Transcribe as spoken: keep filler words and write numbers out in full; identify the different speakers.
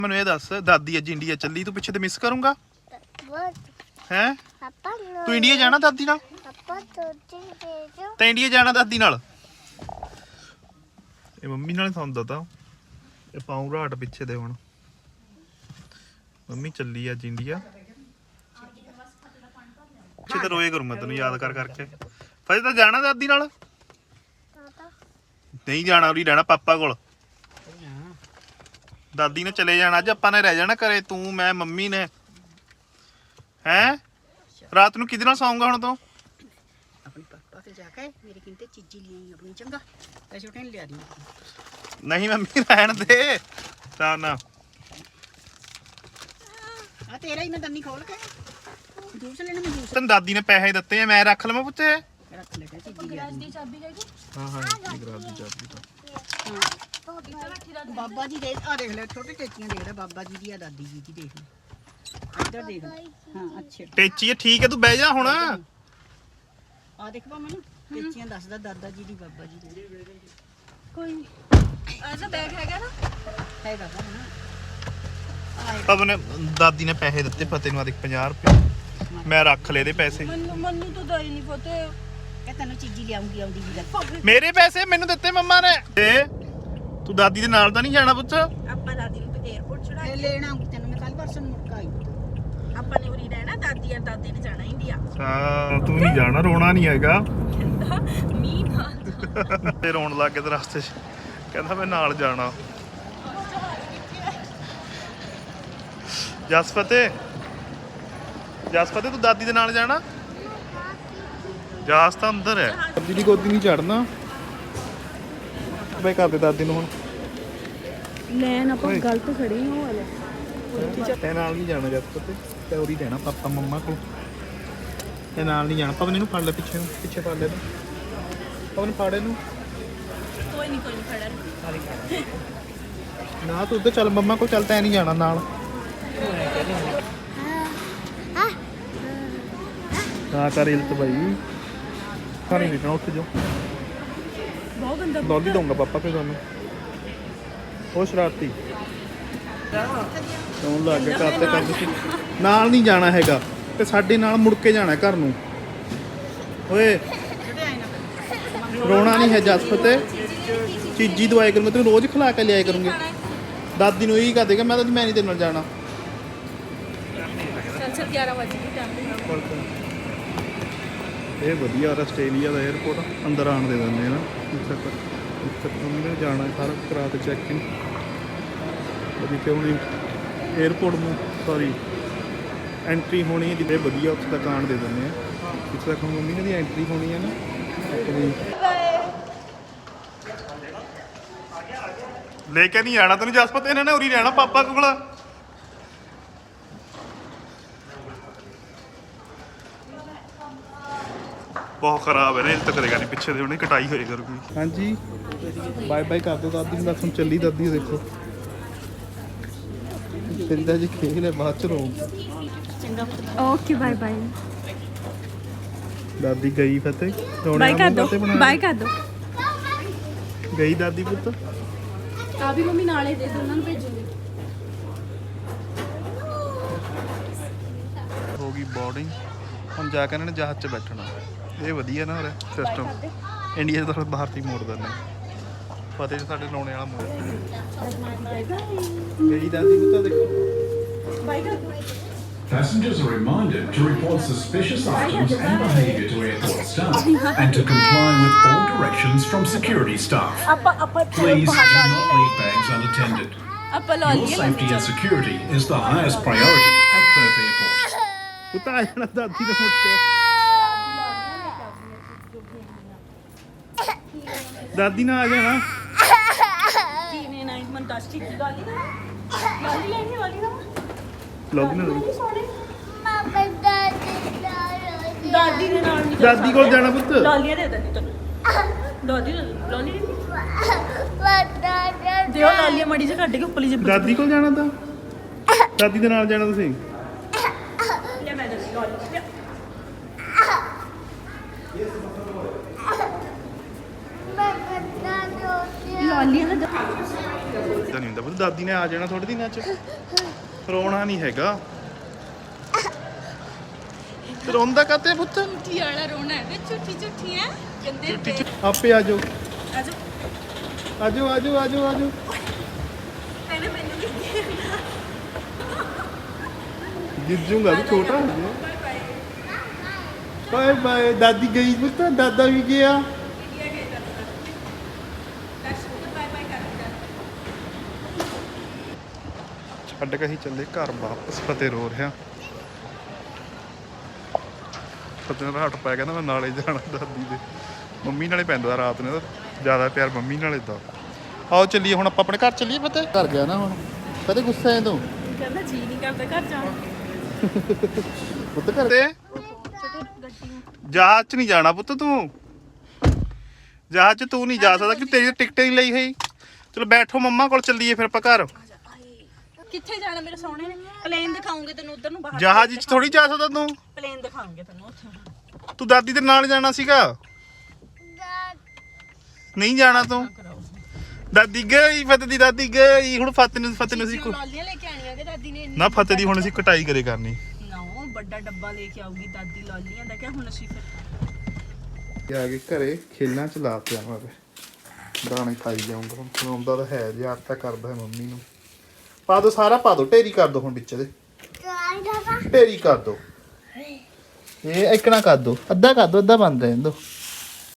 Speaker 1: ਮੈਨੂੰ ਇਹ ਦੱਸ ਦਾਦੀ ਅੱਜ ਇੰਡੀਆ ਚੱਲੀ ਤੂੰ ਪਿੱਛੇ ਤੇ ਮਿਸ ਕਰੂੰਗਾ ਹੈ ਤੂੰ ਇੰਡੀਆ ਜਾਣਾ ਦਾਦੀ ਨਾਲ ਤੇ ਇੰਡੀਆ ਜਾਣਾ ਦਾਦੀ ਨਾਲ ਇਹ ਮੰਮੀ ਨਾਲ ਸੌਂਦਾ ਤਾਂ ਇਹ ਪਾਉਂ ਰਾਟ ਪਿੱਛੇ ਦੇ ਹੁਣ ਮੰਮੀ ਚੱਲੀ ਅੱਜ ਇੰਡੀਆ ਪਿੱਛੇ ਤੇ ਰੋਏ ਕਰੂੰ ਮੈਂ ਤੈਨੂੰ ਯਾਦ ਕਰ ਕਰਕੇ ਫਜੇ ਤਾਂ ਜਾਣਾ ਦਾਦੀ ਨਾਲ ਨਹੀਂ ਜਾਣਾ ਉਰੀ ਰਹਿਣਾ ਪਾਪਾ ਕੋਲ ਦਾਦੀ ਨੇ ਚਲੇ ਜਾਣਾ ਅੱਜ ਆਪਾਂ ਨੇ ਰਹਿ ਜਾਣਾ ਘਰੇ ਤੂੰ ਮੈਂ ਮੰਮੀ ਨੇ ਹੈ ਰਾਤ ਨੂੰ ਕਿਹਦੇ ਨਾਲ ਸੌਂਗਾ ਹੁਣ ਤੂੰ
Speaker 2: अपने पापा के जाके मेरे किंते चीजी ली अपनी चंगा पैसे उठे लिया दी
Speaker 1: नहीं मम्मी रहन दे ना ना
Speaker 2: आ तेरा ही मैं दन्नी खोल के जूस लेना मैं जूस
Speaker 1: तन दादी ने पैसे दिते हैं मैं रख लवां पुੱਤੇ
Speaker 2: रख ले चीजी गराज दी चाबी ले
Speaker 1: हां हां गराज दी चाबी तो
Speaker 2: बाबा जी देख आ देख ले छोटे टेचियां देख ले बाबा जी दी या दादी जी की देख ले इधर देख हां अच्छे
Speaker 1: ਟੇਚੀ ਠੀਕ ਹੈ ਤੂੰ ਬਹਿ ਜਾ ਹੁਣ
Speaker 2: ਆ ਦੇਖ ਪਾ ਮੈਨੂੰ ਟੇਚੀਆਂ ਦੱਸਦਾ ਦਾਦਾ ਜੀ ਦੀ ਬਾਬਾ ਜੀ ਦੀ
Speaker 3: ਕੋਈ ਐਸਾ ਬੈਗ ਹੈਗਾ ਨਾ
Speaker 2: ਹੈਗਾ ਨਾ
Speaker 1: ਪਵਨ ਨੇ ਦਾਦੀ ਨੇ ਪੈਸੇ ਦਿੱਤੇ ਫਤਿਹ ਨੂੰ ਆ ਦੇਖ ਪੰਜਾਹ ਰੁਪਏ ਮੈਂ ਰੱਖ ਲਏ ਦੇ ਪੈਸੇ
Speaker 3: ਮੈਨੂੰ ਮੈਨੂੰ ਤਾਂ ਦਾਈ ਨਹੀਂ ਪਤਾ
Speaker 2: ਕਿ ਤੈਨੂੰ ਚੀਜੀ ਲਿਆਉਂਗੀ ਆਉਂਦੀ ਵੀ ਲੱਗ
Speaker 1: ਮੇਰੇ ਪੈਸੇ ਮੈਨੂੰ ਦਿੱਤੇ ਮੰਮਾ ਨੇ ਏ ਤੂੰ ਦਾਦੀ ਦੇ ਨਾਲ ਤਾਂ ਨਹੀਂ ਜਾਣਾ ਪੁੱਤ
Speaker 3: ਆਪਾਂ ਦਾਦੀ ਨੂੰ 에어ਪੋਰਟ ਛੁਡਾ
Speaker 2: ਇਹ ਲੈਣ ਆਉਂਗੀ ਤੈਨੂੰ ਮੈਂ ਕੱਲ ਪਰਸੋਂ ਨੂੰ ਮੁੱਕ ਆਈ
Speaker 3: ਆਪਾਂ ਨੇ ਉਰੀ ਰਹਿਣਾ ਦਾਦੀ ਆ ਦਾਦੇ ਨੇ ਜਾਣਾ ਇੰਡੀਆ
Speaker 1: ਹਾਂ ਤੂੰ ਨਹੀਂ ਜਾਣਾ ਰੋਣਾ ਨਹੀਂ ਹੈਗਾ
Speaker 3: ਮੀਂਹ ਨਾ
Speaker 1: ਤੇ ਰੋਣ ਲੱਗ ਗਿਆ ਤੇ ਰਸਤੇ 'ਚ ਕਹਿੰਦਾ ਮੈਂ ਨਾਲ ਜਾਣਾ ਜਸਪਤੇ ਜਸਪਤੇ ਤੂੰ ਦਾਦੀ ਦੇ ਨਾਲ ਜਾਣਾ ਜਾਸ ਤਾਂ ਅੰਦਰ ਹੈ ਦਾਦੀ ਦੀ ਗੋਦੀ ਨਹੀਂ ਚੜਨਾ ਬਈ ਕਰਦੇ ਦਾਦੀ ਨੂੰ ਹੁਣ
Speaker 3: ਲੈਣ ਆਪਾਂ ਗਲਤ ਖੜੇ ਹਾਂ ਉਹ ਵਾਲੇ
Speaker 1: ਤੇ ਨਾਲ ਨਹੀਂ ਜਾਣਾ ਜਸਪਤੇ ਤੇ ਉਰੀ ਰਹਿਣਾ ਪਾਪਾ ਮੰਮਾ ਕੋਲ ਤੇ ਨਾਲ ਨਹੀਂ ਜਾਣਾ ਪਵਨ ਇਹਨੂੰ ਫੜ ਲੈ ਪਿੱਛੇ ਨੂੰ ਪਿੱਛੇ ਫੜ ਲੈ ਤੂੰ ਪਵਨ ਫੜ ਇਹਨੂੰ
Speaker 3: ਕੋਈ ਨਹੀਂ ਕੋਈ ਨਹੀਂ ਖੜਾ
Speaker 1: ਨਾ ਤੂੰ ਉੱਧਰ ਚੱਲ ਮੰਮਾ ਕੋਲ ਚੱਲ ਤੈਂ ਨਹੀਂ ਜਾਣਾ ਨਾਲ ਨਾ ਕਰ ਇਲਤ ਭਾਈ ਖਾਣੀ ਨਹੀਂ ਨਾ ਉੱਠ ਜਾ
Speaker 3: ਬਹੁਤ ਗੰਦਾ
Speaker 1: ਡੋਲੀ ਦਊਂਗਾ ਪਾਪਾ ਫਿਰ ਤੁਹਾਨੂੰ ਉਹ ਸ਼ਰਾਰਤੀ ਕੌਣ ਲੱਗ ਗਿਆ ਕਰਤੇ ਕਰਦੇ ਸੀ ਨਾਲ ਨਹੀਂ ਜਾਣਾ ਹੈਗਾ ਤੇ ਸਾਡੇ ਨਾਲ ਮੁੜ ਕੇ ਜਾਣਾ ਘਰ ਨੂੰ ਓਏ ਰੋਣਾ ਨਹੀਂ ਹੈ ਜਸਪਤੇ ਚੀਜੀ ਦਵਾਈ ਕਰੂੰਗਾ ਤੈਨੂੰ ਰੋਜ਼ ਖਿਲਾ ਕੇ ਲਿਆਇਆ ਕਰੂੰਗੇ ਦਾਦੀ ਨੂੰ ਇਹੀ ਕਹਿ ਦੇਗਾ ਮੈਂ ਤਾਂ ਮੈਂ ਨਹੀਂ ਤੇਰੇ ਨਾਲ ਜਾਣਾ
Speaker 3: ਚੱਲ ਚੱਲ ਗਿਆਰਾਂ ਵਜੇ ਦੀ ਟਾਈਮ
Speaker 1: ਇਹ ਵਧੀਆ ਆਸਟ੍ਰੇਲੀਆ ਦਾ 에어ਪੋਰਟ ਅੰਦਰ ਆਣ ਦੇ ਦਿੰਦੇ ਨਾ ਇੱਥੇ ਤੱਕ ਇੱਥੇ ਮੰਮੀ ਨੇ ਜਾਣਾ ਸਾਰਾ ਕਰਾ ਕੇ ਚੈੱਕ ਇਨ ਉਹਦੀ ਕਿਉਂ ਨਹੀਂ 에어ਪੋਰਟ ਨੂੰ ਸੌਰੀ ਐਂਟਰੀ ਹੋਣੀ ਜਿੱਦੇ ਵਧੀਆ ਉੱਥੇ ਤੱਕ ਆਣ ਦੇ ਦਿੰਦੇ ਆ ਇੱਥੇ ਤੱਕ ਮੰਮੀ ਨੇ ਦੀ ਐਂਟਰੀ ਹੋਣੀ ਹੈ ਨਾ ਆਪਣੀ ਲੈ ਕੇ ਨਹੀਂ ਆਣਾ ਤੈਨੂੰ ਜਸਪਤ ਇਹਨਾਂ ਨੇ ਉਰੀ ਰਹਿਣਾ ਪਾਪਾ ਕੋਲ ਬਹੁਤ ਖਰਾਬ ਹੈ ਰੇਲ ਤੱਕ ਕਰੇਗਾ ਨਹੀਂ ਪਿੱਛੇ ਦੇ ਉਹਨੇ ਕਟਾਈ ਹੋਏ ਕਰੂਗੀ ਹਾਂਜੀ ਬਾਏ ਬਾਏ ਕਰ ਦੋ ਦਾਦੀ ਨੂੰ ਦੱਸ ਹੁਣ ਚੱਲੀ ਦਾਦੀ ਦੇਖੋ ਤੇਰੀ ਤਾਂ ਜੀ ਖੇਲ ਲੈ ਬਾਅਦ ਚ ਰੋ
Speaker 3: ਓਕੇ ਬਾਏ ਬਾਏ
Speaker 1: ਦਾਦੀ ਗਈ ਫਤਿਹ
Speaker 3: ਬਾਏ ਕਰ ਦੋ ਬਾਏ ਕਰ ਦੋ
Speaker 1: ਗਈ ਦਾਦੀ ਪੁੱਤ
Speaker 3: ਆ ਵੀ ਮੰਮੀ ਨਾਲੇ ਦੇ ਦੋ ਉਹਨਾਂ ਨੂੰ ਭੇਜੂਗੀ
Speaker 1: ਹੋ ਗਈ ਬੋਰਡਿੰਗ ਹੁਣ ਜਾ ਕੇ ਇਹਨਾਂ ਨੇ ਜਹਾਜ਼ 'ਚ ਬੈਠਣਾ ਇਹ ਵਧੀਆ ਨਾ ਹੋ ਰਿਹਾ ਸਿਸਟਮ ਇੰਡੀਆ ਤੋਂ ਬਾਹਰ ਤੀ ਮੋੜ ਦਿੰਦੇ ਫਤਿਹ ਸਾਡੇ ਲਾਉਣੇ ਵਾਲਾ ਮੋੜ ਗਈ ਦਾਦੀ ਨੂੰ ਤਾਂ ਦੇਖੋ
Speaker 3: ਬਾਏ ਕਰ ਦੋ
Speaker 4: Passengers are reminded to report suspicious items and behaviour to airport staff and to comply with all directions from security staff.
Speaker 3: ਆਪਾਂ ਆਪਾਂ
Speaker 4: Please do not leave bags unattended.
Speaker 3: ਆਪਾਂ ਲਾ
Speaker 4: Your
Speaker 3: ਲਈਏ
Speaker 4: safety and security is the highest priority at Perth Airport.
Speaker 1: ਪੁੱਤ ਆ ਜਾਣਾ ਦਾਦੀ ਦੇ ਮੁੜ ਕੇ ਦਾਦੀ ਨਾਲ ਆ ਜਾਣਾ
Speaker 3: ਕਿਵੇਂ ਨਾ ਮਨ ਦੱਸ ਠੀਕ ਗਾਲੀ ਨਾ ਗਾਲੀ ਲੈਣੀ ਵਾਲੀ ਨਾ
Speaker 1: ਲੋਗੀ ਨਾ
Speaker 3: ਦਾਦੀ ਦੇ ਨਾਲ ਨਹੀਂ
Speaker 1: ਦਾਦੀ ਕੋਲ ਜਾਣਾ ਪੁੱਤ
Speaker 3: ਲਾਲੀਆਂ ਦੇ ਦਿੰਦੀ ਤੈਨੂੰ ਦਾਦੀ ਦੇ ਲਾਲੀ ਦਿਓ ਲਾਲੀਆਂ ਮੜੀ ਜਿਹੀ ਕੱਢ ਕੇ ਉੱਪਰਲੀ ਜਿਹੀ
Speaker 1: ਦਾਦੀ ਕੋਲ ਜਾਣਾ ਤਾਂ ਦਾਦੀ ਦੇ ਨਾਲ ਜਾਣਾ ਤੁਸੀਂ
Speaker 3: ਲੈ ਮੈਂ ਦੱਸ ਲਾਲੀ ਲਾਲੀਆਂ ਦਾ
Speaker 1: ਤਾਂ ਨਹੀਂ ਹੁੰਦਾ ਪੁੱਤ, ਦਾਦੀ ਨੇ ਆ ਜਾਣਾ ਥੋੜੇ ਦਿਨਾਂ ਚ, ਰੋਣਾ ਨਹੀਂ ਹੈਗਾ। ਤੇ ਰੋਂਦਾ ਕਾਤੇ ਪੁੱਤ?
Speaker 3: ਝੂਠੀ ਵਾਲਾ ਰੋਣਾ ਹੈ, ਝੂਠੀ ਝੂਠੀ ਹੈ ਕਹਿੰਦੇ
Speaker 1: ਝੂਠੀ ਝੂ- ਆਪੇ ਆ ਜਾਓ
Speaker 3: ਆਜੋ
Speaker 1: ਆਜੋ ਆਜੋ ਆਜੋ ਆਜੋ।
Speaker 3: ਪਹਿਲੇ ਮੈਨੂੰ ਕਿੱਥੇ
Speaker 1: ਗਿੱਜੂਗਾ ਵੀ ਛੋਟਾ ਹੋ ਗਿਆ। Bye bye. ਦਾਦੀ ਗਈ ਪੁੱਤ, ਦਾਦਾ ਵੀ ਗਿਆ। ਛੱਡ ਕੇ ਹੀ ਚੱਲੇ ਘਰ ਵਾਪਸ। ਫਤਿਹ ਰੋ ਰਿਹਾ। ਫਤਿਹ ਨੂੰ ਹੱਟ ਪੈ, ਕਹਿੰਦਾ ਮੈਂ ਨਾਲੇ ਜਾਣਾ ਦਾਦੀ ਦੇ। ਮੰਮੀ ਨਾਲੇ ਪੈਂਦਾ ਰਾਤ ਨੂੰ, ਜ਼ਿਆਦਾ ਪਿਆਰ ਮੰਮੀ ਨਾਲੇ ਦਾ। ਆਓ ਚੱਲੀਏ ਹੁਣ ਆਪਾਂ ਆਪਣੇ ਘਰ ਚੱਲੀਏ। ਫਤਿਹ ਘਰ ਗਿਆ ਨਾ ਹੁਣ। ਫਤਿਹ ਗੁੱਸਾ ਹੈ ਤੂੰ?
Speaker 3: ਕਹਿੰਦਾ ਜੀ ਨਹੀਂ ਕਰਦਾ ਘਰ ਜਾਣ
Speaker 1: ਪੁੱਤ ਘਰ ਤੇ ਜਹਾਜ਼ 'ਚ ਨਹੀਂ ਜਾਣਾ ਪੁੱਤ ਤੂੰ। ਜਹਾਜ਼ 'ਚ ਤੂੰ ਨਹੀਂ ਜਾ ਸਕਦਾ ਕਿ ਤੇਰੀ ਟਿਕਟ ਹੀ ਨਹੀਂ ਲਈ ਹੋਈ। ਚਲੋ ਬੈਠੋ ਮੰਮਾ ਕੋਲ, ਚੱਲੀਏ ਫਿਰ ਆਪਾਂ ਘਰ।
Speaker 3: ਕਿੱਥੇ ਜਾਣਾ ਮੇਰੇ ਸੋਹਣੇ ਨੇ? ਪਲੇਨ ਦਿਖਾਉਂਗੇ ਤੈਨੂੰ ਉਧਰ ਨੂੰ ਬਾਹਰ।
Speaker 1: ਜਹਾਜ਼ 'ਚ ਥੋੜੀ ਜਾ ਸਕਦਾ ਤੂੰ।
Speaker 3: ਪਲੇਨ ਦਿਖਾਉਂਗੇ ਤੈਨੂੰ ਉੱਥੇ।
Speaker 1: ਤੂੰ ਦਾਦੀ ਦੇ ਨਾਲ ਜਾਣਾ ਸੀਗਾ। ਨਹੀਂ ਜਾਣਾ ਤੂੰ। ਦਾਦੀ ਗਈ, ਫਤਿਹ ਦੀ ਦਾਦੀ ਗਈ। ਹੁਣ ਫਤਿਹ ਨੂੰ ਫਤਿਹ ਨੂੰ ਸੀ
Speaker 3: ਲਾਲੀਆਂ ਲੈ ਕੇ ਆਣੀਆਂ ਕਿ ਦਾਦੀ ਨੇ?
Speaker 1: ਨਾ ਫਤਿਹ ਦੀ ਹੁਣ ਅਸੀਂ ਕਟਾਈ ਕਰੇ ਕਰਨੀ।
Speaker 3: ਨਾ ਵੱਡਾ ਡੱਬਾ ਲੈ ਕੇ ਆਊਗੀ ਦਾਦੀ ਲਾਲੀਆਂ ਦਾ। ਕਿ ਹੁਣ ਅਸੀਂ ਫਿਰ
Speaker 1: ਆ ਕੇ ਘਰੇ ਖੇਲਾਂ ਚ ਲਾ ਪਿਆ ਮੈਂ ਦਾਣੇ ਖਾਈ ਜਾਊਂਗਾ। ਹੁਣ ਖਵਾਉਂਦਾ ਤਾਂ ਹੈ, ਯਾਦ ਤਾਂ ਕਰਦਾ ਹੈ ਮੰਮੀ ਨੂੰ। ਪਾ ਦੋ ਸਾਰਾ, ਪਾ ਦੋ, ਢੇਰੀ ਕਰ ਦੋ ਹੁਣ ਵਿੱਚ ਦੇ। ਢੇਰੀ ਕਰ ਦੋ। ਇਹ ਇਕਣਾ ਕਰ ਦੋ, ਅੱਧਾ ਕਰ ਦੋ, ਅੱਧਾ ਬੰਦ ਰਹਿਣ ਦੋ।